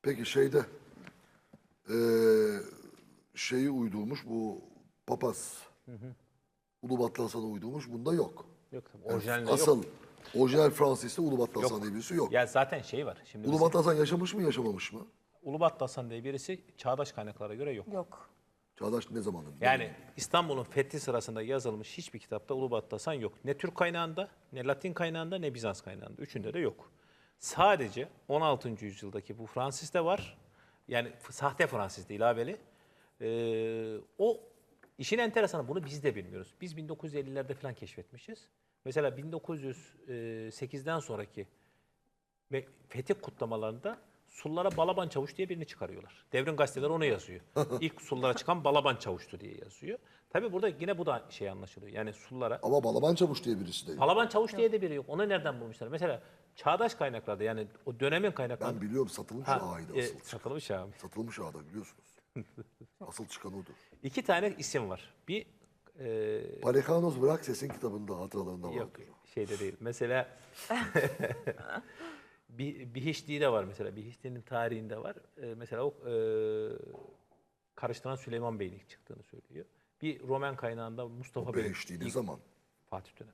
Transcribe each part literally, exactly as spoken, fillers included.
Peki şeyde eee, şeyi uydurmuş bu papaz. Ulubatlı Hasan'ı uydurmuş. Bunda yok. Yok tabii. Yani Orijinalinde asıl yok. orijinal Fransız'ta Ulubatlı Hasan Yok. diye birisi yok. Ya zaten şey var. Şimdi mesela Ulubatlı Hasan yaşamış mı yaşamamış mı? Ulubatlı Hasan diye birisi çağdaş kaynaklara göre yok. Yok. Çağdaş ne zamanında? Yani İstanbul'un fethi sırasında yazılmış hiçbir kitapta Ulubatlı Hasan yok. Ne Türk kaynağında, ne Latin kaynağında, ne Bizans kaynağında. Üçünde de yok. Sadece on altıncı yüzyıldaki bu Fransız'da var. Yani f- sahte Fransız'da ilaveli. Ee, o işin enteresanı, bunu biz de bilmiyoruz. Biz bin dokuz yüz ellilerde falan keşfetmişiz. Mesela bin dokuz yüz sekizden sonraki ve fetih kutlamalarında Sullara Balaban Çavuş diye birini çıkarıyorlar. Devrim gazeteleri onu yazıyor. İlk Sullara çıkan Balaban Çavuş'tu diye yazıyor. Tabii burada yine bu da şey anlaşılıyor. Yani Sullara Ama Balaban Çavuş diye birisi de yok. Balaban Çavuş diye de biri yok. Onu nereden bulmuşlar? Mesela çağdaş kaynaklarda, yani o dönemin kaynaklarında. Ben biliyorum satılmış Ha, ağaydı e, asıl. satılmış abi. Satılmış ağda biliyorsunuz. Asıl çıkan odur. İki tane isim var. Bir e, Palekanos Bırak Ses'in kitabında hatıralarında yok vardır. şeyde değil. Mesela bir Bihişti de var mesela. Bihişti'nin tarihinde var. E, mesela o e, karıştıran Süleyman Bey'in ilk çıktığını söylüyor. Bir Roman kaynağında Mustafa O Bey'in Behişti ne ilk- zaman? Fatih dönem.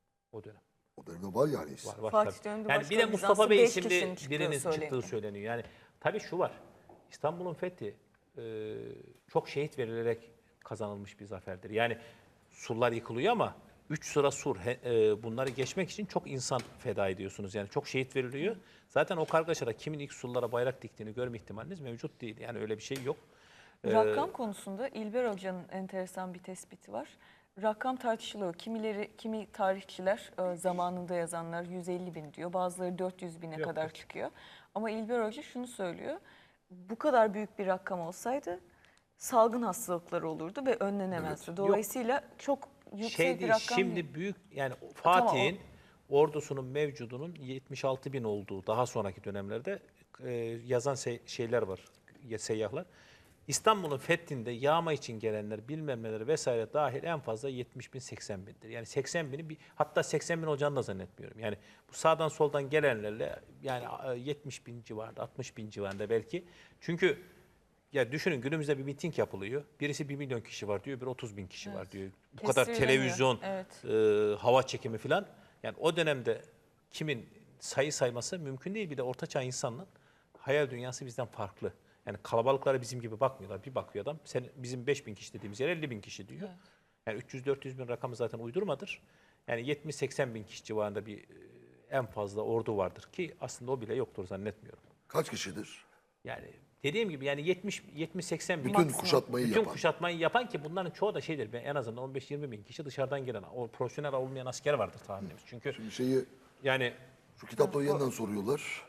O dönem. O dönemde var yani isim. Var, var, Fatih tabii. döneminde Yani başka bir de Bizans'ta Mustafa Bey beş isimli kişinin çıktığı birinin söyleniyor. çıktığı söyleniyor. Yani tabii şu var. İstanbul'un fethi e, çok şehit verilerek kazanılmış bir zaferdir. Yani surlar yıkılıyor ama üç sıra sur, he- e, bunları geçmek için çok insan feda ediyorsunuz. Yani çok şehit veriliyor. Zaten o kargaşada kimin ilk surlara bayrak diktiğini görme ihtimaliniz mevcut değil. Yani öyle bir şey yok. Rakam konusunda İlber Hoca'nın enteresan bir tespiti var. Rakam tartışılıyor. Kimileri, kimi tarihçiler e, zamanında yazanlar yüz elli bin diyor. Bazıları dört yüz bine Yok, kadar yok. çıkıyor. Ama İlber Hoca şunu söylüyor. Bu kadar büyük bir rakam olsaydı salgın hastalıkları olurdu ve önlenemezdi. Dolayısıyla çok yüksek Şey bir değil, rakam şimdi değil. büyük yani tamam, Fatih'in ordusunun mevcudunun yetmiş altı bin olduğu daha sonraki dönemlerde e, yazan se- şeyler var, ya- seyyahlar. İstanbul'un fethinde yağma için gelenler bilmem neler vesaire dahil en fazla yetmiş bin seksen bindir. Yani seksen bini bir, hatta seksen bin olacağını da zannetmiyorum. Yani bu sağdan soldan gelenlerle yani e, yetmiş bin civarında, altmış bin civarında belki. Çünkü ya düşünün, günümüzde bir miting yapılıyor. Birisi bir milyon kişi var diyor, bir otuz bin kişi var diyor. Bu kadar Kestirilemiyor. televizyon, Evet. e, hava çekimi falan. Yani o dönemde kimin sayı sayması mümkün değil. Bir de ortaçağ insanının hayal dünyası bizden farklı. Yani kalabalıklara bizim gibi bakmıyorlar. Bir bakıyor adam, sen, bizim beş bin kişi dediğimiz yer elli bin kişi diyor. Yani üç yüz dört yüz bin rakamı zaten uydurmadır. Yani yetmiş seksen bin kişi civarında bir e, en fazla ordu vardır ki aslında o bile yoktur zannetmiyorum. Kaç kişidir? Yani dediğim gibi yani yetmiş yetmiş seksen bin Bütün Maksimum. kuşatmayı bütün yapan. kuşatmayı yapan ki bunların çoğu da şeydir. Ben en azından on beş yirmi bin kişi dışarıdan gelen, o profesyonel olmayan asker vardır tahminimiz. Çünkü Şimdi şeyi yani şu kitapları yeniden soruyorlar.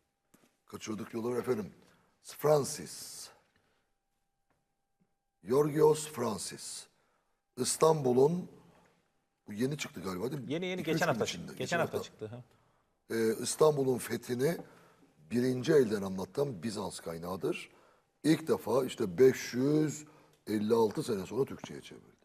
Kaçırdık diyorlar efendim. Francis. Yorgos Francis. İstanbul'un bu yeni çıktı galiba değil mi? yeni yeni İki, üç geçen gün hafta içinde, çıktı. Geçen hafta çıktı. Ha. Ee, İstanbul'un fethini birinci elden anlatan Bizans kaynağıdır. İlk defa işte beş yüz elli altı sene sonra Türkçe'ye çevrildi.